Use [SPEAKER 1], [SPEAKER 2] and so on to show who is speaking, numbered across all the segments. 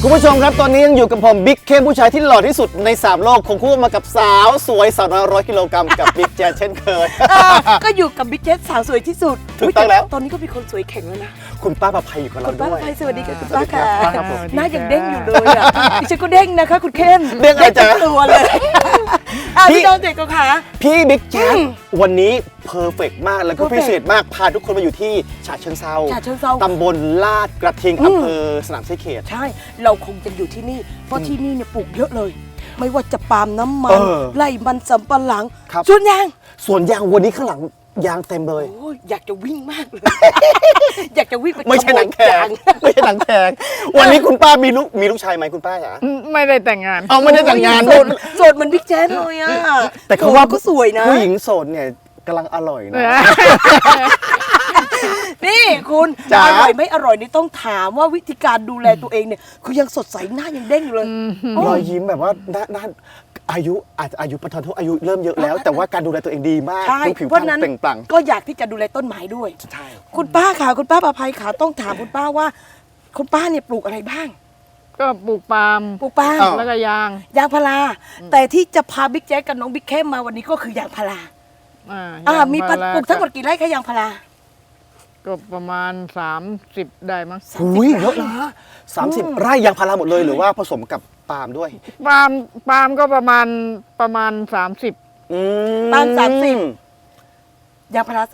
[SPEAKER 1] คุณผู้ชมครับตอนนี้ยังอยู่กับผมบิ๊กเข้มผู้ชายที่หล่อที่สุดใน3โลกคงคู่มากับสาวสวยสาวน้อย100 กิโลกรัมกับบิ๊กแจนเช่นเคย
[SPEAKER 2] ก็อยู่กับบิ๊กเจสสาวสวยที่สุด
[SPEAKER 1] ถูกต้องแล้ว
[SPEAKER 2] ตอนนี้ก็มีคนสวยแข็งแล้วนะ
[SPEAKER 1] คุณป้าประภัยอยู่กับเรา
[SPEAKER 2] คุณป้า
[SPEAKER 1] ด้วย
[SPEAKER 2] ไปสวัสดีค่ะคุณ
[SPEAKER 1] สวั
[SPEAKER 2] ป้า
[SPEAKER 1] สดีครั
[SPEAKER 2] ค่ะ
[SPEAKER 1] บครับผม
[SPEAKER 2] หน้ายังเด้งอยู่เลยอ่ะดิฉันก็เด้งนะคะคุณเข้ม
[SPEAKER 1] เด้งอะไรจ๊ะ
[SPEAKER 2] ทั้งตัวเลยพี่น้องเด็กก็ค่ะ
[SPEAKER 1] พี่บิ๊กแจนวันนี้เพอร์เฟกต์มากแล้วก็
[SPEAKER 2] perfect
[SPEAKER 1] พิเศษมากพาทุกคนมาอยู่ที่ฉะเชิงเทรา
[SPEAKER 2] ฉะเชิงเทรา
[SPEAKER 1] ตำบลลาดกระทิงอำเภอสนามชัยเขต
[SPEAKER 2] ใช่เราคงจะอยู่ที่นี่เพราะที่นี่เนี่ยปลูกเยอะเลย ไม่ว่าจะปาล์มน้ำมัน
[SPEAKER 1] เออ
[SPEAKER 2] ไร่มันสำปะหลัง
[SPEAKER 1] ครับ
[SPEAKER 2] ส่วนยาง
[SPEAKER 1] ส่วนยางวันนี้ข้างหลังยางเต็มเลย
[SPEAKER 2] โอ้ยอยากจะวิ่งมากเลย อยากจะวิ่งไป
[SPEAKER 1] ไม่ใช่หนังแข
[SPEAKER 2] ขโมยยาง
[SPEAKER 1] ไม่ใช่หนังแขกวันนี้คุณป้ามีลูกชายไหมคุณป้าจ๋า
[SPEAKER 3] ไม่ได้แต่งงาน
[SPEAKER 1] เอาไม่ได้แต่งงาน
[SPEAKER 2] โสดโสดเหมันบิ๊กแจ๊สเลยอ่ะ
[SPEAKER 1] แต่เขาว่า
[SPEAKER 2] ก็สวยนะ
[SPEAKER 1] ผู้หญิงโสดเนี่ยกำลังอร่อยนะ
[SPEAKER 2] นี่คุณ
[SPEAKER 1] จ๋า
[SPEAKER 2] อร่อยไม่อร่อยนี่ต้องถามว่าวิธีการดูแลตัวเองเนี่ยคือยังสดใสหน้ายังเด้งอยู่เลย
[SPEAKER 1] รอยยิ้มแบบว่าน่าอายุอาจจะอายุประทานโทษอายุเริ่มเยอะแล้ว แต่ว่าการดูแลตัวเองดีมาก
[SPEAKER 2] ใช่
[SPEAKER 1] ดูผิว
[SPEAKER 2] เพ
[SPEAKER 1] พร
[SPEAKER 2] ราะ
[SPEAKER 1] รณ
[SPEAKER 2] นั้น
[SPEAKER 1] เปล่งปลั่ง
[SPEAKER 2] ก็อยากที่จะดูแลต้นไม้ด้วย
[SPEAKER 1] ใช่
[SPEAKER 2] คุณป้าค่ะคุณป้าประภัยค่ะต้องถามคุณป้าว่า คุณป้าเนี่ยปลูกอะไรบ้าง
[SPEAKER 3] ก็ปลูกปาล์ม
[SPEAKER 2] ปลูกปาล์ม
[SPEAKER 3] แล้วก็ยาง
[SPEAKER 2] ยางพาราแต่ที่จะพาบิ๊กแจ๊กกับน้องบิ๊กเข้มมาวันนี้ก็คือยางพารา
[SPEAKER 3] ยาง
[SPEAKER 2] มี
[SPEAKER 3] พารา
[SPEAKER 2] ปลูกทั้งหมดกี่ไร่คะยางพารา
[SPEAKER 3] ก็ประมาณ30ได้มั้ง
[SPEAKER 1] หุยเยอะนะ30 ไร่ยางพาราหมดเลยหรือว่าผสมกับปาล์มด้วย
[SPEAKER 3] ปาล์มก็ประมาณ30
[SPEAKER 2] ปาล์ม30 ยางพารา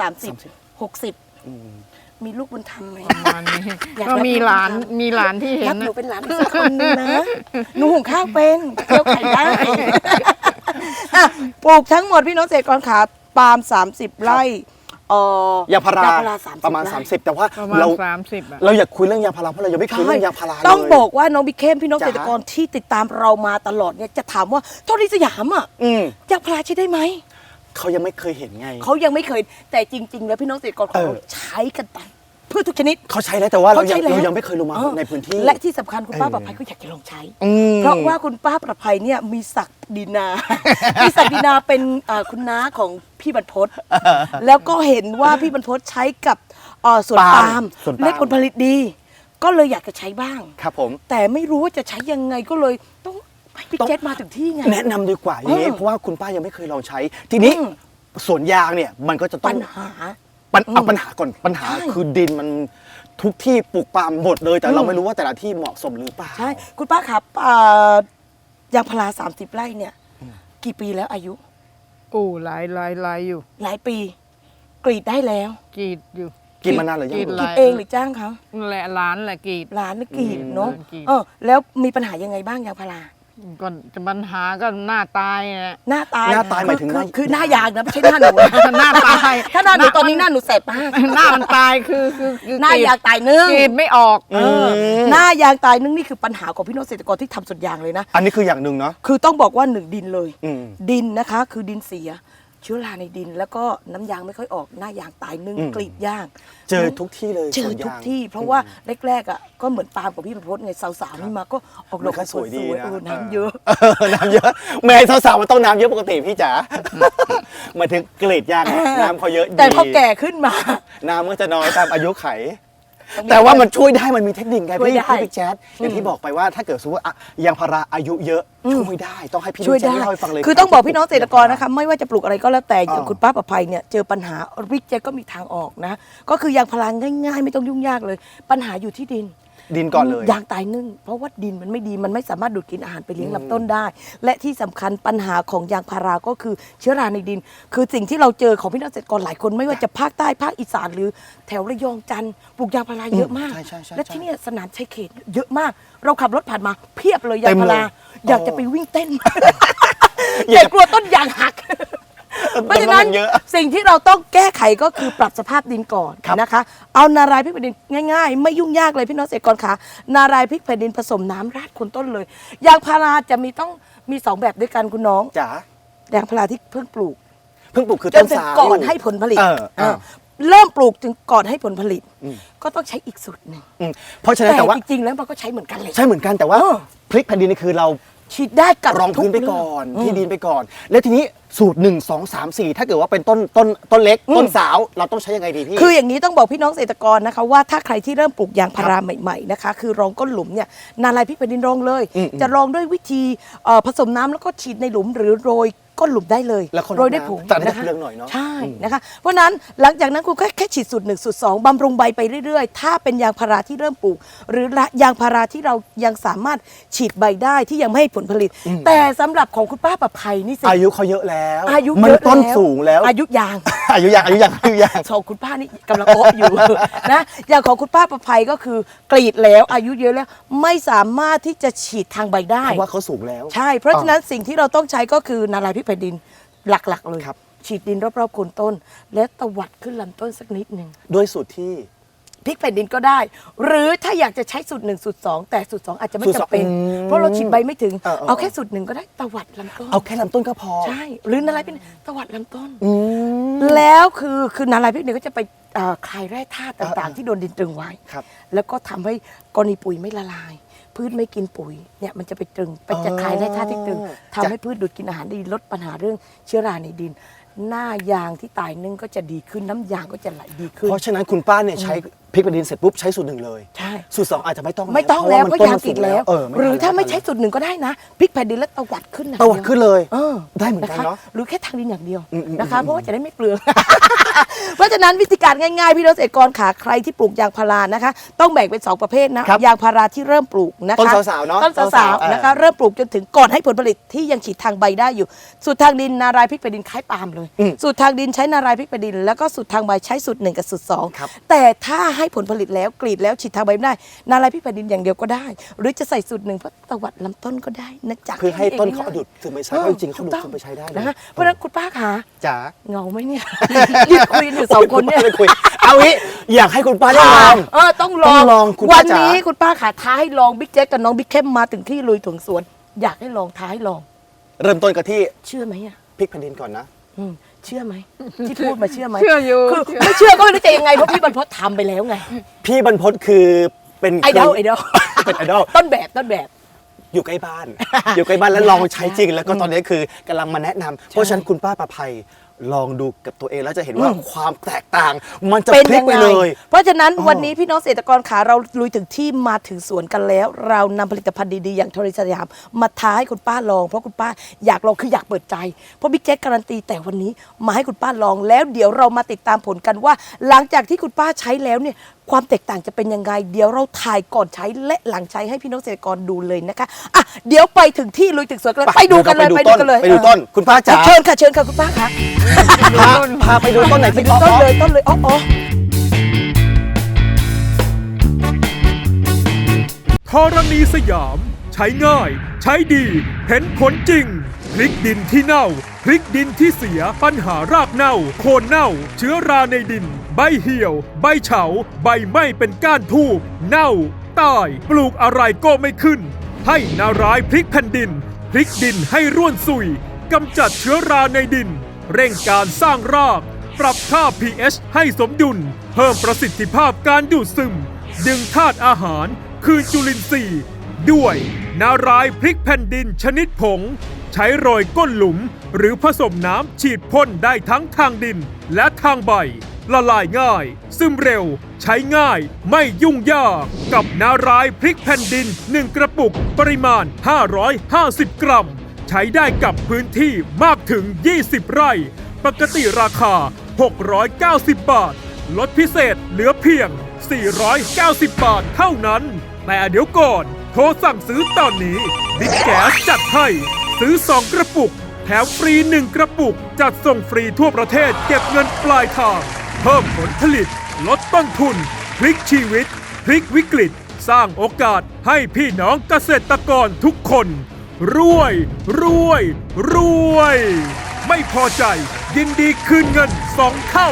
[SPEAKER 2] 30 60มีลูกบุญธรรมไหม
[SPEAKER 3] ประมาณนี้
[SPEAKER 2] อยาก
[SPEAKER 3] ก็
[SPEAKER 2] รับ
[SPEAKER 3] มีหลานที่เห็
[SPEAKER 2] รั
[SPEAKER 3] น
[SPEAKER 2] บหนู
[SPEAKER 3] นะ
[SPEAKER 2] เป็นหลานอีกสักคนนึงนะหนูหุงข้าวเป็นเคี่ยวไข่ได้อ่ะปลูกทั้งหมดพี่น้องเกษตรกรขาปาล์ม30 ไร่
[SPEAKER 1] ยางพารา
[SPEAKER 2] 30
[SPEAKER 1] ประมาณ
[SPEAKER 2] ไ
[SPEAKER 1] 30 แต่ว่า
[SPEAKER 3] ประมาณ
[SPEAKER 1] เรา
[SPEAKER 3] 30อ่ะ
[SPEAKER 1] เราอยากคุยเรื่องยางพาราเพราะเรายังไม่เคยเรื่องยางพาราเลย
[SPEAKER 2] ต้องบอกว่าน้องบิ๊กเข้มพี่น้อง
[SPEAKER 1] จ๋า
[SPEAKER 2] เกษตรกรที่ติดตามเรามาตลอดเนี่ยจะถามว่าเท่านี้สยามอ่ะ
[SPEAKER 1] อืม
[SPEAKER 2] ยางพาราใช้ได้ไหม
[SPEAKER 1] เขายังไม่เคยเห็นไง
[SPEAKER 2] เขายังไม่เคยแต่จริง ๆ แล้วพี่น้องเกษตรกรของเรา
[SPEAKER 1] เออ
[SPEAKER 2] ใช้กันไปเพื่อทุกชนิด
[SPEAKER 1] เขาใช้แล้วแต่ว่าเรา
[SPEAKER 2] เขาใช้แล้ว
[SPEAKER 1] เรายังไม่เคยลงมาในพื้นที่
[SPEAKER 2] และที่สำคัญคุณป้า
[SPEAKER 1] เออ
[SPEAKER 2] ประภัยก็อยากจะลองใช้
[SPEAKER 1] อืม
[SPEAKER 2] เพราะว่าคุณป้าประภัยเนี่ยมีศักดินา มีศักดินาเป็นคุณน้าของพี่บรรพตแล้วก็เห็นว่าพี่บรรพตใช้กับสวนปาล์ม
[SPEAKER 1] สวนปาล์ม
[SPEAKER 2] และผลผลิตดี ก็เลยอยากจะใช้บ้าง
[SPEAKER 1] ครับผม
[SPEAKER 2] แต่ไม่รู้ว่าจะใช้ยังไงก็เลยต้องให้พี่เจษมาถึงที่ไง
[SPEAKER 1] แนะนำดีกว่าอย่างนี้เพราะว่าคุณป้ายังไม่เคยลองใช้ ทีนี้
[SPEAKER 2] อืม
[SPEAKER 1] สวนยางเนี่ยมันก็จะต้อ
[SPEAKER 2] ปั
[SPEAKER 1] ง
[SPEAKER 2] ญหา
[SPEAKER 1] เอาปัญหาก่อนปัญหา
[SPEAKER 2] ใช่
[SPEAKER 1] คือดินมันทุกที่ปลูกปาล์มหมดเลย แต่เราไม่รู้ว่าแต่ละที่เหมาะสมหรือเปล่า
[SPEAKER 2] ใช่คุณป้าครับยางพารา30 ไร่เนี่ย กี่ปีแล้วอายุ
[SPEAKER 3] กู้หลายอยู่
[SPEAKER 2] หลายปี กรีดได้แล้ว
[SPEAKER 3] กรีดอยู่
[SPEAKER 1] กินมานานหรือยัง
[SPEAKER 3] กรีด
[SPEAKER 2] ก
[SPEAKER 3] ห
[SPEAKER 2] รี
[SPEAKER 3] ลา
[SPEAKER 2] ด
[SPEAKER 3] ย
[SPEAKER 2] เองหรือจ้างเขา
[SPEAKER 3] แหละร้านแหละกรีด
[SPEAKER 2] ร้านนึกกรีดเนาะ
[SPEAKER 3] ร้านกรีด
[SPEAKER 2] แล้วมีปัญหายังไงบ้างยางพารา
[SPEAKER 3] ก็จะปัญหาก็หน้าตายนะ
[SPEAKER 2] หน้าตาย
[SPEAKER 1] หน้าตายหมายถึง
[SPEAKER 2] คือหน้ายางนะไม่ใช่หน้าหนู
[SPEAKER 3] หน้าตาย
[SPEAKER 2] ถ้าหน้าหนูตอนนี้หน้าหนูแสบมาก
[SPEAKER 3] หน้ามันตายคือ
[SPEAKER 2] หน้ายางตายนึ่ง
[SPEAKER 3] กรีดไม่ออก
[SPEAKER 2] หน้ายางตายนึ่งนี่คือปัญหาของพี่น้องเกษตรกรที่ทำสวนยางเลยนะ
[SPEAKER 1] อันนี้คืออย่างหนึ่งเนาะ
[SPEAKER 2] คือต้องบอกว่าหนึ่งดินเลย
[SPEAKER 1] อืม
[SPEAKER 2] ดินนะคะคือดินเสีย เชื้อราในดิน แล้วก็น้ำยางไม่ค่อยออกหน้ายางตายนึ่งกรีดยาง
[SPEAKER 1] เจอทุกที่เลย
[SPEAKER 2] เจอ
[SPEAKER 1] สวนยาง
[SPEAKER 2] ทุกที่ เพราะว่าแรกๆอ่ะก็เหมือนปาล์มกับพี่ประพจน์ไงสาวๆนี่มาก็ออกดอก
[SPEAKER 1] มันก็สวยดีนะ
[SPEAKER 2] น้ำเยอะ
[SPEAKER 1] น้ำเยอะแม่สาวๆมันต้องน้ำเยอะปกติพี่จ๋าหมายถึงเกรดยางน้ำเขาเยอะดี
[SPEAKER 2] แต่พอแก่ขึ้นมา
[SPEAKER 1] น้ำก็จะน้อยตามอายุไข แต่ว่ามันช่วยได้มันมีเทคนิคไง
[SPEAKER 2] ช่วย
[SPEAKER 1] พี่
[SPEAKER 2] ได้
[SPEAKER 1] พี่แจ๊ดอย่างที่บอกไปว่าถ้าเกิดสมมติว่ายางพาราอายุเยอะช่วยได้ต้องให้พี่
[SPEAKER 2] ช่วย
[SPEAKER 1] แจ๊ด
[SPEAKER 2] ได้
[SPEAKER 1] เล่าให้ฟังเลย
[SPEAKER 2] คือต้องบอกพี่น้องเกษตรกรนะคะไม่ว่าจะปลูกอะไรก็แล้วแต่อย่าง
[SPEAKER 1] อ่า
[SPEAKER 2] คุณป้าประภัยเนี่ยเจอปัญหาวิกเจก็มีทางออกนะ ก็คือยางพาราง่ายๆ ไม่ต้องยุ่งยากเลย ปัญหาอยู่ที่ดิน
[SPEAKER 1] ดินก่อนเลย
[SPEAKER 2] ยางตายนึ่งเพราะว่าดินมันไม่ดีมันไม่สามารถดูดกินอาหารไปเลี้ยงลำต้นได้ และที่สำคัญปัญหาของยางพาราก็คือเชื้อราในดิน คือสิ่งที่เราเจอของพี่น้องเกษตรกรหลายคนไม่ว่าจะภาคใต้ภาคอีสานหรือแถวระยองจันทร์ปลูกยางพาราเยอะมาก
[SPEAKER 1] ใช่ๆๆ
[SPEAKER 2] และที่เนี่ยสนามชัยเขตเยอะมาก เราขับรถผ่านมาเพียบเลยยางพารา
[SPEAKER 1] เต็มเลย
[SPEAKER 2] อยากจะไปวิ่งเต้น แต่กลัวต้นยางหัก เพราะฉะนั้น
[SPEAKER 1] เยอะ
[SPEAKER 2] สิ่งที่เราต้องแก้ไขก็คือปรับสภาพดินก่อน
[SPEAKER 1] ครับ
[SPEAKER 2] นะคะ เอานารายพริกแผ่นดินง่ายๆ ไม่ยุ่งยากเลยพี่น้องเกษตรกรคะนารายพริกแผ่นดินผสมน้ำราดโคนต้นเลยยางพาราจะมี2แบบด้วยกันคุณน้อง
[SPEAKER 1] จ๋าย
[SPEAKER 2] างพาราที่เพิ่งปลูก
[SPEAKER 1] เพิ่งปลูกคือ
[SPEAKER 2] จ
[SPEAKER 1] ต้
[SPEAKER 2] น
[SPEAKER 1] น
[SPEAKER 2] ถึง
[SPEAKER 1] สาว
[SPEAKER 2] ก่อนให้ผลผลิต
[SPEAKER 1] เออ
[SPEAKER 2] เริ่มปลูกถึงก่อนให้ผลผลิต ก็ต้องใช้อีกสูตรหนึ่ง
[SPEAKER 1] เพราะฉะนั้น
[SPEAKER 2] แต่
[SPEAKER 1] แต่ว่า
[SPEAKER 2] จริงๆแล้วมันก็ใช้เหมือนกันเลย
[SPEAKER 1] ใช่เหมือนกันแต่ว่า
[SPEAKER 2] เออ
[SPEAKER 1] พริกแผ่นดินนี่คือเรา
[SPEAKER 2] ฉีดได้กับ
[SPEAKER 1] รองพื้นไป
[SPEAKER 2] ทุ
[SPEAKER 1] ก่อน
[SPEAKER 2] เรื่ง
[SPEAKER 1] ที่ดินไปก่อน แล้วทีนี้สูตร 1 2 3 4 ถ้าเกิดว่าเป็นต้นเล็ก ต้นสาวเราต้องใช้ยังไงดีพี่
[SPEAKER 2] คืออย่างนี้ต้องบอกพี่น้องเกษตรกรนะคะว่าถ้าใครที่เริ่มปลูกยางพาราใหม่ๆนะคะคือรองก้นหลุมเนี่ยนาลายพริกแผ่นดินรองเลย จะรองด้วยวิธีผสมน้ำแล้วก็ฉีดในหลุมหรือโรยก้นหลุมได้เลย
[SPEAKER 1] แล้วคน
[SPEAKER 2] โรยด้วยผง
[SPEAKER 1] แต่ได้
[SPEAKER 2] นะคะ
[SPEAKER 1] เปลืองหน่อยเนาะ
[SPEAKER 2] ใช่นะคะเพราะฉะนั้นหลังจากนั้นคุณแค่ฉีดสูตร1สูตร2บำรุงใบไปเรื่อยๆ ถ้าเป็นยางพาราที่เริ่มปลูก หรือยางพาราที่เรายังสามารถฉีดใบได้ที่ยังไม่ให้ผลผลิต แต่สำหรับของคุณป้าประภัยนี่สิ
[SPEAKER 1] อายุเขาเยอะแล้ว
[SPEAKER 2] อายุ
[SPEAKER 1] มัน
[SPEAKER 2] เยอะ
[SPEAKER 1] ต้น
[SPEAKER 2] แล้ว
[SPEAKER 1] สูงแล้ว
[SPEAKER 2] อายุยาง
[SPEAKER 1] อายุยัง
[SPEAKER 2] สองคุณป้านี่กำลังโอ๊ะอยู่ นะอย่างของคุณป้าประภัยก็คือกรีดแล้วอายุเยอะแล้วไม่สามารถที่จะฉีดทางใบได้
[SPEAKER 1] เพราะว่าเขาสูงแล้ว
[SPEAKER 2] ใช่ เพราะฉะนั้นสิ่งที่เราต้องใช้ก็คือนาลายพริกแผ่นดินหลักๆเลย
[SPEAKER 1] ครับ
[SPEAKER 2] ฉีดดินรอบๆโคนต้น และตวัดขึ้นลำต้นสักนิดหนึ่ง
[SPEAKER 1] ด้วยสูตรที่
[SPEAKER 2] พริกแผ่นดินก็ได้ หรือถ้าอยากจะใช้สูตร1สูตร2แต่สูตร2อาจจะไม่
[SPEAKER 1] สูตรสอง
[SPEAKER 2] จำเป็น เพราะเราฉีดใบไม่ถึง
[SPEAKER 1] เออ
[SPEAKER 2] เอาแค่สูตร1ก็ได้ตวัดลำต้น
[SPEAKER 1] เอาแค่ลำต้นก็พอ
[SPEAKER 2] ใช่ หรือนาลายเป็นตวัดลำต้น
[SPEAKER 1] อืม
[SPEAKER 2] แล้วคือนาลายพริกเนี่ยก็จะไปคลายแร่ธาตุต่างๆ ที่โดนดินตรึงไว้
[SPEAKER 1] ครับ
[SPEAKER 2] แล้วก็ทำให้กรณีปุ๋ยไม่ละลาย พืชไม่กินปุ๋ยเนี่ยมันจะไปตรึงไปจะคลายแร่ธาตุที่ตรึงทำให้พืชดูดกินอาหารดีลดปัญหาเรื่องเชื้อราในดิน หน้ายางที่ตายนึ่งก็จะดีขึ้นน้ำยางก็จะไหลดีขึ้น
[SPEAKER 1] เพราะฉะนั้นคุณป้าเนี่ยใช้พริกแผ่นดินเสร็จปุ๊บใช้สูตร 1เลย
[SPEAKER 2] ใช่
[SPEAKER 1] สูตร 2อาจจะไม่ต้อง
[SPEAKER 2] ไม่ต้องแล้ว
[SPEAKER 1] เพ
[SPEAKER 2] ก็
[SPEAKER 1] ระ
[SPEAKER 2] ยาง
[SPEAKER 1] มัน
[SPEAKER 2] ติดแล้ว
[SPEAKER 1] ไม่
[SPEAKER 2] หรือ
[SPEAKER 1] ทัน
[SPEAKER 2] ถ้าไม่
[SPEAKER 1] แล้ว
[SPEAKER 2] ใช้สูตร1ก็ได้นะพริกแผ่นดินแล้วตวัดขึ้น
[SPEAKER 1] ตวัดขึ้นเลย
[SPEAKER 2] เออ
[SPEAKER 1] ได้เหมือนกันเนาะ
[SPEAKER 2] หรือแค่ทางดินอย่างเดียว
[SPEAKER 1] อืม
[SPEAKER 2] นะคะเพราะว่าจะได้ไม่เปลือง เพราะฉะนั้นวิธีการง่ายๆ พี่น้องเกษตรกรขาใครที่ปลูกยางพารานะคะ ต้องแบ่งเป็น 2 ประเภทนะครับ ยางพาราที่เริ่มปลูกนะคะ
[SPEAKER 1] ต้นสาวๆเนอะ
[SPEAKER 2] ต้นสาวๆนะคะเริ่มปลูกจนถึงก่อนให้ผลผลิตที่ยังฉีดทางใบได้อยู่ สูตรทางดินนารายพริกแผ่นดินคล้ายปาล์มเลย สูตรทางดินใช้นารายพริกแผ่นดินแล้วก็สูตรทางใบใช้สูตร1กับสูตร
[SPEAKER 1] ครับ
[SPEAKER 2] 2แต่ถ้าให้ผลผลิตแล้วกรีดแล้วฉีดทางใบไม่ได้ นารายพริกแผ่นดินอย่างเดียวก็ได้ หรือจะใส่สูตร1เพราะตวัดลำต้นก็ได้นะจ๊ะ
[SPEAKER 1] เพื่อให้ต้นเขา
[SPEAKER 2] ง่ยๆ
[SPEAKER 1] ดูดซึมไปใช้เพราะจริงๆเขาดูดซึมไปใช้ได้เลย
[SPEAKER 2] นะคะเพราะฉะนั้นคุณป้าคะ
[SPEAKER 1] จ๋า
[SPEAKER 2] เหงาไหมเนี่ย ยืนคุยอยู่สองคนเนี่ย
[SPEAKER 1] ไม่คุยเอางี้อยากให้คุณป้าได้ลอง
[SPEAKER 2] ต้องล
[SPEAKER 1] ต้
[SPEAKER 2] อ
[SPEAKER 1] อง งลองคุณ
[SPEAKER 2] วั
[SPEAKER 1] ป้าน จ๋า
[SPEAKER 2] นี้คุณป้าขาท้าให้ลองบิ๊กแจ๊กกับน้องบิ๊กเข้มมาถึงที่ลุยถึงสวน อยากให้ลองท้าให้ลอง
[SPEAKER 1] เริ่มต้นกันที่
[SPEAKER 2] เชื่อไหมอ่ะ
[SPEAKER 1] พริกแผ่นดินก่อนนะ
[SPEAKER 2] เชื่อไหมที่พูดมาเชื่อไหม
[SPEAKER 3] เชื่ออยู่
[SPEAKER 2] คือไม่เชื่อก็ไม่รู้จะยังไงเพราะพี่บรรพตทำไปแล้วไง
[SPEAKER 1] พี่บรรพตคือเป็น
[SPEAKER 2] ไอดอลไอดอล
[SPEAKER 1] เป็นไอดอล
[SPEAKER 2] ต้นแบบ
[SPEAKER 1] อยู่ใกล้บ้าน อยู่ใกล้บ้านแล้วลองใช้จริง แล้วก็ตอนนี้คือกำลังมาแนะนำเพราะฉะนั้นคุณป้าประภัยลองดูกับตัวเองแล้วจะเห็นว่าความแตกต่าง มันจะ
[SPEAKER 2] เป็น
[SPEAKER 1] พลิก
[SPEAKER 2] ยัง
[SPEAKER 1] ไป
[SPEAKER 2] ไง
[SPEAKER 1] เลย
[SPEAKER 2] เพราะฉะนั้นวันนี้พี่น้องเกษตรกรขาเราลุยถึงที่มาถึงสวนกันแล้ว เรานำผลิตภัณฑ์ดีๆอย่างโทริสยามมาท้าให้คุณป้าลองเพราะคุณป้าอยากลองคืออยากเปิดใจเพราะบิ๊กแจ๊กการันตีแต่วันนี้มาให้คุณป้าลองแล้วเดี๋ยวเรามาติดตามผลกันว่า หลังจากที่คุณป้าใช้แล้วเนี่ยความแตกต่างจะเป็นยังไงเดี๋ยวเราถ่ายก่อนใช้และหลังใช้ให้พี่น้องเกษตรกรดูเลยนะคะอ่ะเดี๋ยวไปถึงที่ลุยถึงสวนกันเลยไปดูกันเลย
[SPEAKER 1] ไปดูต้นคุณป้าจ๋า
[SPEAKER 2] เชิญค่ะคุณป้าค่ะ
[SPEAKER 1] พาไปดูต้นไหน
[SPEAKER 2] ไป
[SPEAKER 1] ที่
[SPEAKER 2] ดูต้นเลยอ๋อ
[SPEAKER 4] ธรณีสยาม ใช้ง่าย ใช้ดี เห็นผลจริง พริกดินที่เน่า พริกดินที่เสีย ปัญหารากเน่า โคนเน่า เชื้อราในดิน ใบเหี่ยว ใบเฉา ใบไหม้เป็นก้านทูบเน่า ตาย ปลูกอะไรก็ไม่ขึ้น ให้นารายพริกแผ่นดิน พริกดินให้ร่วนซุย กำจัดเชื้อราในดิน เร่งการสร้างราก ปรับค่า pH ให้สมดุล เพิ่มประสิทธิภาพการดูดซึม ดึงธาตุอาหาร คืนจุลินทรีย์ ด้วยนารายพริกแผ่นดินชนิดผง ใช้โรยก้นหลุม หรือผสมน้ำฉีดพ่นได้ทั้งทางดินและทางใบ ละลายง่าย ซึมเร็ว ใช้ง่ายไม่ยุ่งยากกับนารายพริกแผ่นดิน 1 กระปุกปริมาณ 550 กรัม ใช้ได้กับพื้นที่มากถึง 20 ไร่ ปกติราคา 690 บาท ลดพิเศษเหลือเพียง 490 บาทเท่านั้น แต่เดี๋ยวก่อน โทรสั่งซื้อตอนนี้บิ๊กแก๊สจัดให้ ซื้อ 2 กระปุก แถมฟรี 1 กระปุก จัดส่งฟรีทั่วประเทศเก็บเงินปลายทาง เพิ่มผลผลิต ลดต้นทุน พลิกชีวิต พลิกวิกฤต สร้างโอกาสให้พี่น้องเกษตรกรทุกคน รวย ไม่พอใจยินดีคืนเงิน 2 เท่า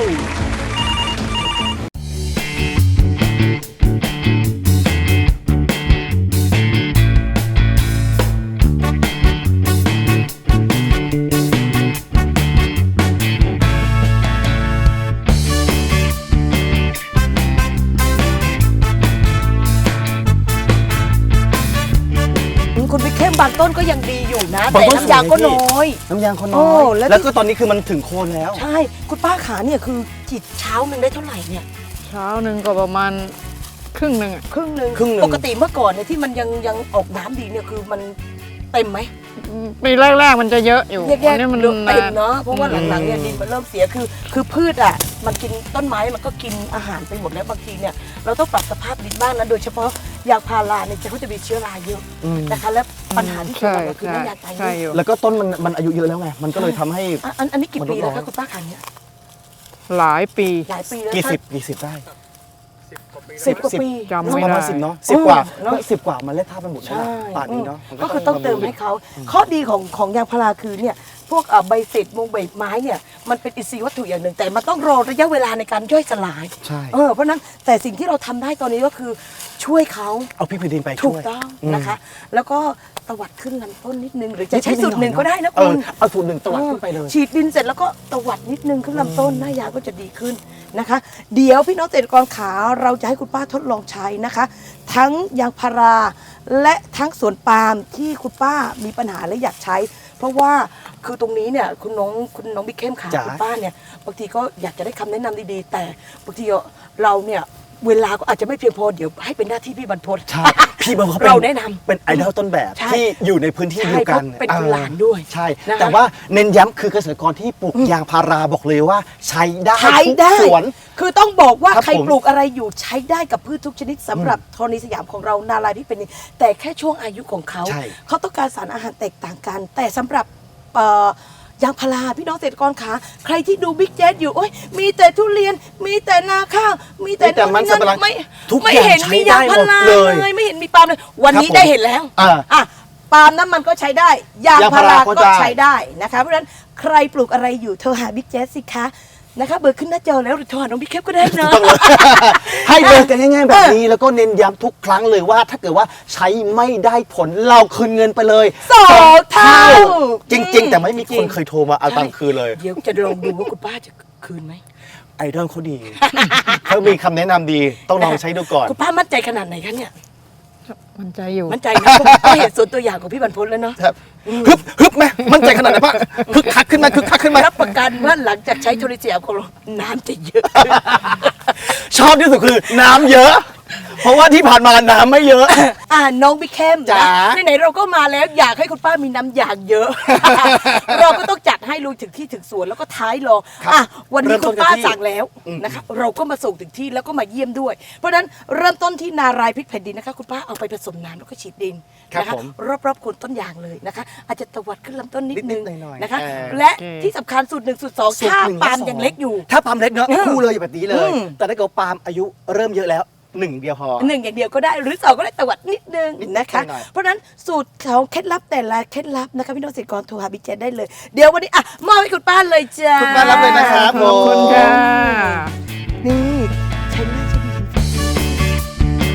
[SPEAKER 2] คุณบิ๊กเข้มบางำต้นก็ยังดีอยู่นะ
[SPEAKER 1] บาง
[SPEAKER 2] แต่
[SPEAKER 1] ต้น
[SPEAKER 2] น้ำยางก็
[SPEAKER 1] สวยนะพี่
[SPEAKER 2] น้อย
[SPEAKER 1] น้ำยางเขา
[SPEAKER 2] โอ้
[SPEAKER 1] น้อย
[SPEAKER 2] แล้ว
[SPEAKER 1] แล้วก็ตอนนี้คือมันถึงโคนแล้ว
[SPEAKER 2] ใช่คุณป้าขาเนี่ยคือฉีดเช้าหนึ่งได้เท่าไหร่เนี่ย
[SPEAKER 3] เช้าหนึ่งก็ประมาณครึ่งหนึ่งอะ
[SPEAKER 2] ครึ่งหนึ่ง
[SPEAKER 1] ครึ่งหนึ่ง
[SPEAKER 2] ปกติเมื่อก่อนเนี่ยที่มันยังออกน้ำดีเนี่ยคือมันเต็มไหม
[SPEAKER 3] ปีแรกๆมันจะเยอะอยู่
[SPEAKER 2] แยก
[SPEAKER 3] อันนี้มัน
[SPEAKER 2] เต็ม
[SPEAKER 3] นาน
[SPEAKER 2] เนาะเพราะว่าหลังๆเนี่ยดินมันเริ่มเสียคือพืชอ่ะมันกินต้นไม้มันก็กินอาหารไปหมดแล้วบางทีเนี่ยเราต้องปรับสภาพดินบ้างนะโดยเฉพาะยางพาราเนี่ยเขาจะมีเชื้อราเยอะนะคะและปัญหาที่เกิด
[SPEAKER 3] ใช่
[SPEAKER 2] ก็คือ
[SPEAKER 3] ใช่
[SPEAKER 2] น้ำยางตายเย
[SPEAKER 3] ใช่
[SPEAKER 2] อะ
[SPEAKER 3] อยู่
[SPEAKER 1] แล้วก็ต้นมันอายุเยอะแล้วไงมันก็เลยทำให้
[SPEAKER 2] อันนี้กี่ปีแล้ว
[SPEAKER 1] มันลดน้
[SPEAKER 2] คะ
[SPEAKER 1] อย
[SPEAKER 2] คุณป้าขาเนี่ย
[SPEAKER 3] หลายปี
[SPEAKER 2] หลายปีแล้ว
[SPEAKER 1] กี่สิบได้
[SPEAKER 2] 10 กว่าปี
[SPEAKER 3] จำไม่
[SPEAKER 1] ประ
[SPEAKER 3] ได้
[SPEAKER 1] มาณ10เนาะ10 กว่า
[SPEAKER 2] เนอะ
[SPEAKER 1] 10 กว่ามันเล็ดท่าไปหมดแล้ว
[SPEAKER 2] ใช่
[SPEAKER 1] นะป่านนี้เนาะมัน
[SPEAKER 2] ก็คือต้องเติมให้เขาข้อดีของยางพาราคือเนี่ยพวกใบเศษมงใบไม้เนี่ยมันเป็นอินทรีย์วัตถุอย่างหนึ่ง แต่มันต้องรอระยะเวลาในการย่อยสลาย
[SPEAKER 1] ใช่
[SPEAKER 2] เพราะฉะนั้นแต่สิ่งที่เราทำได้ตอนนี้ก็คือช่วยเขา
[SPEAKER 1] เอาพริกแผ่นดินไป
[SPEAKER 2] ถู
[SPEAKER 1] ช่
[SPEAKER 2] ก
[SPEAKER 1] วย
[SPEAKER 2] ต้องนะคะ แล้วก็ตวัดขึ้นลำต้นนิดนึง หรือจะใช้สูตรหนึ่งก็ได้นะ
[SPEAKER 1] เอ
[SPEAKER 2] คุ
[SPEAKER 1] อ
[SPEAKER 2] ณ
[SPEAKER 1] เอาสูตรหนึ่งตวัดขึ้นไปเลย
[SPEAKER 2] ฉีดดินเสร็จแล้วก็ตวัดนิดนึงขึ้นลำต้นหน้ายางก็จะดีขึ้นนะคะ เดี๋ยวพี่น้องเกษตรกรขาเราจะให้คุณป้าทดลองใช้นะคะ ทั้งยางพาราและทั้งสวนปาล์มที่คุณป้ามีปัญหาและอยากใช้ เพราะว่าคือตรงนี้เนี่ยคุณน้องบิ๊กเข้มขา
[SPEAKER 1] จ๋า
[SPEAKER 2] คุณป้าเนี่ยบางทีก็อยากจะได้คำแนะนำดีๆ แต่บางทีเราเนี่ยเวลาก็อาจจะไม่เพียงพอเดี๋ยวให้เป็นหน้าที่พี่บรรพต
[SPEAKER 1] ใช่พี่มันเขา
[SPEAKER 2] เราแนะนำ
[SPEAKER 1] เป็นไอดอลต้นแบบ
[SPEAKER 2] ใช่
[SPEAKER 1] ที่อยู่ในพื้นที่เดียวกัน
[SPEAKER 2] ใช่เขาเป็นหลานด้วย
[SPEAKER 1] ใช่
[SPEAKER 2] นะคะ
[SPEAKER 1] แต่ว่าเน้นย้ำคือเกษตรกรที่ปลูกยางพาราบอกเลยว่าใช้ได้
[SPEAKER 2] ใช้ได้
[SPEAKER 1] ทุกสวน
[SPEAKER 2] คือต้องบอกว่า
[SPEAKER 1] ครับ
[SPEAKER 2] ใคร
[SPEAKER 1] ผม
[SPEAKER 2] ปลูกอะไรอยู่ใช้ได้กับพืชทุกชนิดสำหรับธรณีสยามของเรานาลายที่เป็นแต่แค่ช่วงอายุของเขา
[SPEAKER 1] ใช่
[SPEAKER 2] เขาต้องการสารอาหารแตกต่างกัน แต่สำหรับยางพาราพี่น้องเกษตรกรขาใครที่ดูบิ๊กแจ๊ดอยู่โอ้ยมีแต่ทุเรียนมีแต่นาข้าวมีแต่
[SPEAKER 1] มีแต่มันสำปะหลัง
[SPEAKER 2] ไม่
[SPEAKER 1] ทุก
[SPEAKER 2] ไม่
[SPEAKER 1] อย่าง
[SPEAKER 2] เห็นมียางพารา
[SPEAKER 1] ใช้ได้หมดเลย
[SPEAKER 2] เลยไม่เห็นมีปาล์มเลยวันนี้
[SPEAKER 1] ครับผม
[SPEAKER 2] ได้เห็นแล้ว
[SPEAKER 1] อ่ะ
[SPEAKER 2] ปาล์มน้ำมันก็ใช้ได้ยาง
[SPEAKER 1] ยาง
[SPEAKER 2] พา
[SPEAKER 1] พารา
[SPEAKER 2] รา
[SPEAKER 1] ก็
[SPEAKER 2] ก็
[SPEAKER 1] ได้
[SPEAKER 2] ใช้ได้นะคะเพราะฉะนั้นใครปลูกอะไรอยู่โทรหาบิ๊กแจ๊สสิคะนะคะเบอร์ขึ้นหน้าจอแล้วหรือโทรหาน้องบิ๊กแคปก็ได้นะ
[SPEAKER 1] ให้เบอร์กันง่ายๆแบบนี้แล้วก็เน้นย้ำทุกครั้งเลยว่าถ้าเกิดว่าใช้ไม่ได้ผลเราคืนเงินไปเลย
[SPEAKER 2] สองเท่า
[SPEAKER 1] จริง ๆ แต่ไม่มี
[SPEAKER 2] จริ
[SPEAKER 1] ค
[SPEAKER 2] ง
[SPEAKER 1] นเคยโทรมาเอาตังค์คืนเลย
[SPEAKER 2] เดี๋ยวจะลองดูว่าคุณป้าจะคืนไหม
[SPEAKER 1] ไอดอลเขาดี เขามีคำแนะนำดีต้องลองใช้ดูก่อน
[SPEAKER 2] คุณป้ามั่นใจขนาดไหนคะเนี่ย
[SPEAKER 3] มันใจอยู่
[SPEAKER 2] มั่นใจนะก็เห็นส่วนตัวอย่างของพี่บรรพตแล้วเนาะ
[SPEAKER 1] ครับฮึบไหมมั่นใจขนาดไหนปะคึกคักขึ้นไหมคึกคักขึ้นไหม
[SPEAKER 2] รับประกันว่าหลังจากใช้โทรศัพท์ของเราน้ำจะเยอะ
[SPEAKER 1] ชอบที่สุดคือน้ำเยอะ เพราะว่าที่ผ่านมาน้ำไม่เยอะ
[SPEAKER 2] น้องบิ๊กแคม
[SPEAKER 1] จ๋า
[SPEAKER 2] ไหนๆเราก็มาแล้วอยากให้คุณป้ามีน้ำยางเยอะ เราก็ต้องจัดให้ลุยถึงที่ถึงสวนแล้วก็ท้ายรอวันนี้คุณป้าสั่งแล้วนะคะเราก็มาส่งถึงที่แล้วก็มาเยี่ยมด้วย เพราะฉะนั้นเริ่มต้นที่นารายพริกแผ่นดินนะคะคุณป้าเอาไปผสมน้ำแล้วก็ฉีดดินนะคะรอบๆโคนต้นยางเลยนะคะ อาจจะตวัดขึ้นลำต้นนิดนึง
[SPEAKER 1] นิดๆหน่อยๆ
[SPEAKER 2] นะคะ
[SPEAKER 1] เออ
[SPEAKER 2] และที่สำคัญสูตร1สูตร2ถ้า
[SPEAKER 1] สูตรหนึ่ง
[SPEAKER 2] ปาล์ม
[SPEAKER 1] และสอ
[SPEAKER 2] ยังเล็กอยู่
[SPEAKER 1] ถ้าปาล์มเล็กเนาะคู่เลยแบบนี้เลย
[SPEAKER 2] อืม
[SPEAKER 1] แต่ถ้าเกิดปาล์มอายุเริ่มเยอะแล้วหนึ่งเดียวพอ
[SPEAKER 2] หนึ่งอย่างเดียวก็ได้หรือสองก็ได้ตวัดนิดนึง
[SPEAKER 1] นิด
[SPEAKER 2] นะคะ
[SPEAKER 1] หน่อย
[SPEAKER 2] เพราะฉะนั้นสูตรของเคล็ดลับแต่ละเคล็ดลับนะคะพี่น้องเกษตรกรโทรหาบิ๊กแจ๊ดได้เลย เดี๋ยววันนี้มอบให้คุณป้าเลยจ้า
[SPEAKER 1] คุณป้ารับเลยนะครับ
[SPEAKER 3] ขอบคุณค่ะ
[SPEAKER 2] นี่ใช้ง่ายใช้ดีจริง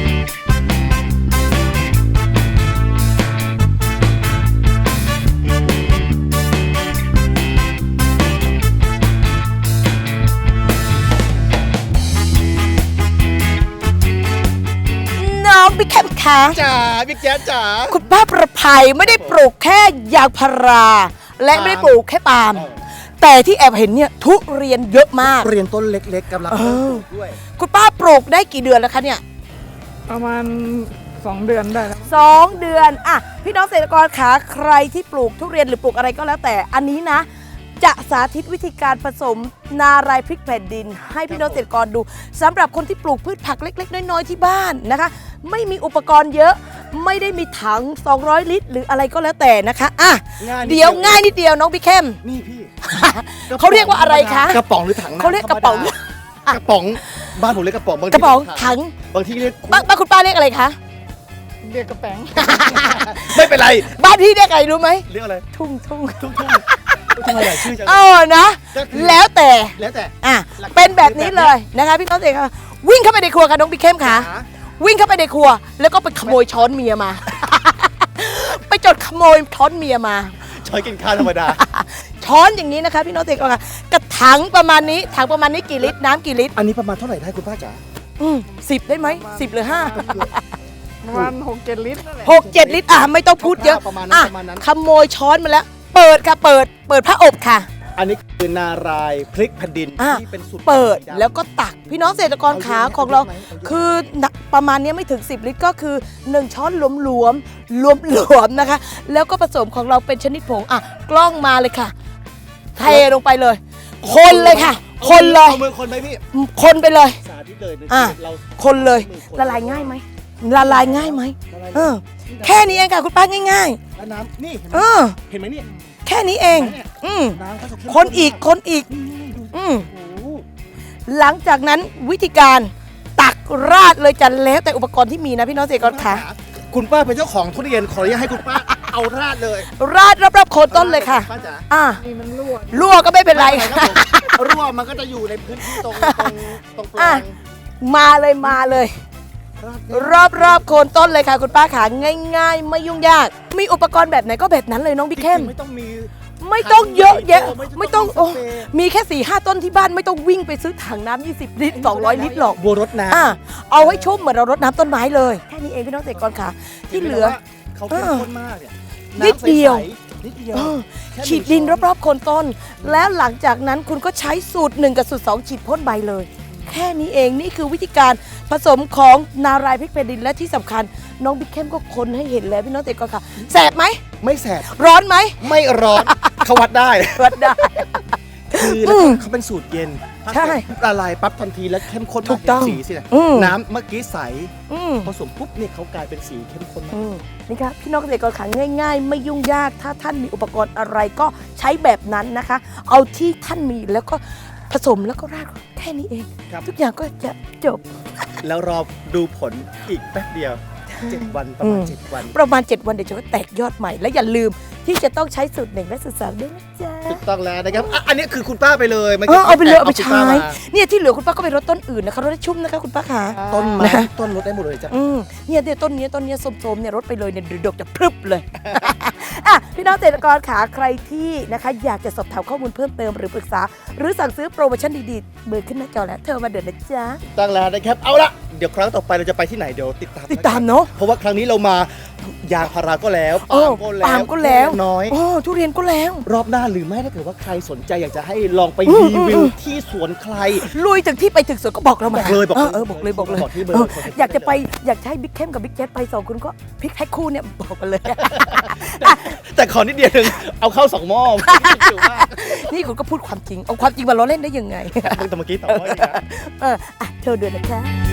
[SPEAKER 2] ๆน้องบิ๊กแคมคะ
[SPEAKER 1] จ๋าบิ๊กแจ๊ดจ๋า
[SPEAKER 2] คุณป้าประภัยไม่ได้ปลูกแค่ยางพารา และไม่ได้ปลูกแค่ปาล์มแต่ที่แอบเห็นเนี่ยทุเรียนเยอะมาก
[SPEAKER 1] เรียนต้นเล็กๆกำลังเริ่มปลูกด้วย
[SPEAKER 2] คุณป้าปลูกได้กี่เดือนแล้วคะเนี่ย
[SPEAKER 3] ประมาณ2 เดือนได้แล้ว
[SPEAKER 2] 2 เดือนพี่น้องเกษตรกรขาใครที่ปลูกทุเรียนหรือปลูกอะไรก็แล้วแต่อันนี้นะ จะสาธิตวิธีการผสมนารายพริกแผ่นดิน ให้พี่น้องเกษตรกรดูสำหรับคนที่ปลูกพืชผักเล็กๆน้อยๆที่บ้านนะคะ ไม่มีอุปกรณ์เยอะไม่ได้มีถัง200 ลิตร หรืออะไรก็แล้วแต่นะคะเดี๋ยวง่ายนิดเดียวน้องพี่เข้ม
[SPEAKER 1] นี่พี่
[SPEAKER 2] เขาเรียกว่าอะไรคะ
[SPEAKER 1] กระป๋องหรือถังน้ำ
[SPEAKER 2] เขาเรียกกระป๋อง
[SPEAKER 1] ธมดากระป๋องบ้านผมเรียกกระป๋องบางที
[SPEAKER 2] กระป๋องถัง
[SPEAKER 1] บางที่เรียก
[SPEAKER 2] บ้านคุณป้าเรียกอะไรคะ
[SPEAKER 3] เรียกกระแป้ง
[SPEAKER 1] ไม่เป็นไร
[SPEAKER 2] บ้านพี่เรียกอะไรรู้ไหม
[SPEAKER 1] เรียกอะไร
[SPEAKER 2] ทุ่ง
[SPEAKER 1] ทุ่งอะไรชื่อจัง
[SPEAKER 2] นะ
[SPEAKER 1] ก็คือ
[SPEAKER 2] แล้วแต่
[SPEAKER 1] แล้วแต่
[SPEAKER 2] เป็นแบบนี้เลยนะคะพี่น้องเด็กค่ะวิ่งเข้าไปในครัวค่ะน้องบิ๊กเข้มค่ะ
[SPEAKER 1] จ๋า
[SPEAKER 2] วิ่งเข้าไปในครัว แล้วก็ไปขโมยช้อนเมียมา ไปจดขโมยช้อนเมียมา
[SPEAKER 1] ช้อยกินข้าวธรรมดา
[SPEAKER 2] ช้อนอย่างนี้นะคะพี่น้องเด็กค่ะกระถังประมาณนี้ถังประมาณนี้กี่ลิตรน้ำกี่ลิตร
[SPEAKER 1] อันนี้ประมาณเท่าไหร่ได้คุณป้าจ๋า
[SPEAKER 2] 10 ได้ไหม10 หรือ 5
[SPEAKER 3] ประมาณ6-7 ลิตรนั่นแหละ
[SPEAKER 2] 6-7 ลิตรไม่ต้องพูดเยอะ
[SPEAKER 1] ประมาณนั้น
[SPEAKER 2] อ่ะ
[SPEAKER 1] ประมาณนั้น
[SPEAKER 2] ขโมยช้อนมาแล้ว เปิดค่ะเปิดผ้าอบค่ะ
[SPEAKER 1] อันนี้คือนารายพริกแผ่นดิน
[SPEAKER 2] อ่ะ
[SPEAKER 1] ที่เป็นสูตร
[SPEAKER 2] เปิด
[SPEAKER 1] สีำ
[SPEAKER 2] แล้วก็ตักพี่น้องเกษตรกรขาของเรา คือประมาณนี้ไม่ถึง 10 ลิตรก็คือ 1 ช้อนหลวมๆนะคะ แล้วก็ผสมของเราเป็นชนิดผงกล้องมาเลยค่ะเทลงไปเลย คนเลยค่ะ คนเลย
[SPEAKER 1] เอามือคนไหมพี่
[SPEAKER 2] คนไปเลย
[SPEAKER 1] สาธิตเลยนะ
[SPEAKER 2] อ่ะ
[SPEAKER 1] เรา
[SPEAKER 2] คนเลย
[SPEAKER 1] มือคน
[SPEAKER 2] ละลายง่ายไหมละลายง่ายไหม
[SPEAKER 1] ละลาย
[SPEAKER 2] เออแค่นี้เองค่ะคุณป้าง่าย
[SPEAKER 1] แล้วน้ำนี่
[SPEAKER 2] ๆ เออ
[SPEAKER 1] เห็นไหมนี่
[SPEAKER 2] แค่นี้เอง
[SPEAKER 1] น้ำเขาจะเข้ม
[SPEAKER 2] คนอีก
[SPEAKER 1] มาก
[SPEAKER 2] คนอีก
[SPEAKER 1] นี่ดู
[SPEAKER 2] อืม
[SPEAKER 1] โอ้โห
[SPEAKER 2] หลังจากนั้นวิธีการตักราดเลยจะแล้วแต่อุปกรณ์ที่มีนะพี่น้องเกษตรกรขา
[SPEAKER 1] คุณป้าเป็นเจ้าของทุเรียนขออนุญาตให้คุณป้าเอาราดเลย
[SPEAKER 2] ราดรอบๆโคนต้นเลยค่ะ
[SPEAKER 1] ป้าจ๋า
[SPEAKER 3] นี่มันรั่ว
[SPEAKER 2] รั่วก็ไม่เป็นไร
[SPEAKER 1] ค
[SPEAKER 2] ค่ะ
[SPEAKER 1] รับผมรั่วมันก็จะอยู่ในพื้นที่ตรงปลา
[SPEAKER 2] อ่ะ
[SPEAKER 1] ง
[SPEAKER 2] มาเลย
[SPEAKER 1] ราด
[SPEAKER 2] รอบๆโคนต้นเลยค่ะคุณป้าขาง่าย ๆ ไม่ยุ่งยาก มีอุปกรณ์แบบไหนก็แบบนั้นเลยน้องบิ๊กเข้ม
[SPEAKER 1] ไม่ต้องมี
[SPEAKER 2] ไม่ต้องเยอะแยะ
[SPEAKER 1] ไม่ต้อง
[SPEAKER 2] โอ้
[SPEAKER 1] สเปรย์
[SPEAKER 2] มีแค่ 4-5 ต้นที่บ้านไม่ต้องวิ่งไปซื้อถังน้ำ20 ลิตร 200 ลิตรหรอก
[SPEAKER 1] บัวรดน้ำ
[SPEAKER 2] เอาให้ชุ่มเหมือนเรารดน้ำต้นไม้เลย แค่นี้เองพี่น้องเกษตรกรขาที่เหลือ
[SPEAKER 1] เขาเข้มข้นมากเนี่ย
[SPEAKER 2] นิดเดียว
[SPEAKER 1] น้ำใสๆนิดเดียว
[SPEAKER 2] เออ
[SPEAKER 1] แค่
[SPEAKER 2] ฉีดดินรอบๆโคนต้น แล้วหลังจากนั้นคุณก็ใช้สูตร 1 กับสูตร 2 ฉีดพ่นใบเลย แค่นี้เองนี่คือวิธีการผสมของนารายพริกแผ่นดินและที่สำคัญน้องบิ๊กเข้มก็คนให้เห็นแล้วพี่น้องเกษตรกรค่ะแสบไหม
[SPEAKER 1] ไม่แสบ
[SPEAKER 2] ร้อนไหม
[SPEAKER 1] ไม่ร้อนเขาวัดได้
[SPEAKER 2] วัดได้
[SPEAKER 1] คือแล้วก็เขาเป็นสูตรเย็น
[SPEAKER 2] ใช่
[SPEAKER 1] ละลายปั๊บทันทีแล้วเข้มข้น
[SPEAKER 2] ถู
[SPEAKER 1] มาก
[SPEAKER 2] กต้อง
[SPEAKER 1] สีสิเนี่ย
[SPEAKER 2] อืม
[SPEAKER 1] น้ำเมื่อกี้ใส
[SPEAKER 2] อืม
[SPEAKER 1] ผสมปุ๊บเนี่ยเขากลายเป็นสีเข้มข้นมาก
[SPEAKER 2] นี่ครับพี่น้องเกษตรกรขาง่ายๆ ไม่ยุ่งยากถ้าท่านมีอุปกรณ์อะไรก็ใช้แบบนั้นนะคะ เอาที่ท่านมีแล้วก็ผสมแล้วก็ราดแค่นี้เอง
[SPEAKER 1] ครับ
[SPEAKER 2] ทุกอย่างก็จะจบ
[SPEAKER 1] แล้วรอดูผลอีกแป๊บเดียว 7 วันประมาณ 7 วัน
[SPEAKER 2] ประมาณ 7 วันเดี๋ยวจะก็แตกยอดใหม่ และอย่าลืมที่จะต้องใช้สูตร1และสูตร2ด้วยนะจ๊ะ
[SPEAKER 1] ถูกต้องแล้วนะครับอันนี้คือคุณป้าไปเลยมื่
[SPEAKER 2] เอาไปเลยเอาไป
[SPEAKER 1] คุณ
[SPEAKER 2] ใช้
[SPEAKER 1] ป้ามา
[SPEAKER 2] เนี่ยที่เหลือคุณป้าก็ไปรดต้นอื่นนะคะรดให้ชุ่มนะคะคุณป้าขา
[SPEAKER 1] ต้นไม้
[SPEAKER 2] นะ
[SPEAKER 1] ต้นรดได้หมดเลยจ้ะ
[SPEAKER 2] เนี่ยต้นนี้ส้มๆเนี่ยรดไปเลยเนี่ยเดี๋ยวดอกจะพรึบเลย พี่น้องเกษตรกรขาใครที่นะคะอยากจะสอบถามข้อมูลเพิ่มเติมหรือปรึกษา หรือสั่งซื้อโปรโมชั่นดีๆเบอร์ขึ้นหน้าจอแล้วเธอมาเดินนะจ๊ะ
[SPEAKER 1] ตั้งแล้วนะครับเอาละเดี๋ยวครั้งต่อไปเราจะไปที่ไหนเดี๋ยวติดตาม
[SPEAKER 2] ติดตามเนาะ
[SPEAKER 1] เพราะว่าครั้งนี้เรามายางพาราก็แล้ว
[SPEAKER 2] เออปาล์มก็แล้ว
[SPEAKER 1] น้อย
[SPEAKER 2] โอ้ทุเรียนก็แล้ว
[SPEAKER 1] รอบหน้าหรือไม่ถ้าเกิดว่าใครสนใจอยากจะให้ลองไปรีวิวที่สวนใคร
[SPEAKER 2] ลุยถึงที่ไปถึงสวนก็บอกเรามา
[SPEAKER 1] บอกเลยบอกเลย
[SPEAKER 2] บอกเลย
[SPEAKER 1] บอกที่เบอร์
[SPEAKER 2] อยากจะไปอยากจะให้บิ๊กเข้มกับบิ๊กเจ็ตไป2 คนก็พลิกแท็กคู่เนี่ยบอกกันเลย
[SPEAKER 1] แต่ขอนิดเดียวหนึงเอาเข้า2 หม้อถือว่า
[SPEAKER 2] นี่คุณก็พูดความจริงเอาความจริงมาล้อเล่นได้ยังไง
[SPEAKER 1] แต่เมื่อกี้2 หม้ออีกนะ
[SPEAKER 2] เธอเดือนนะคะ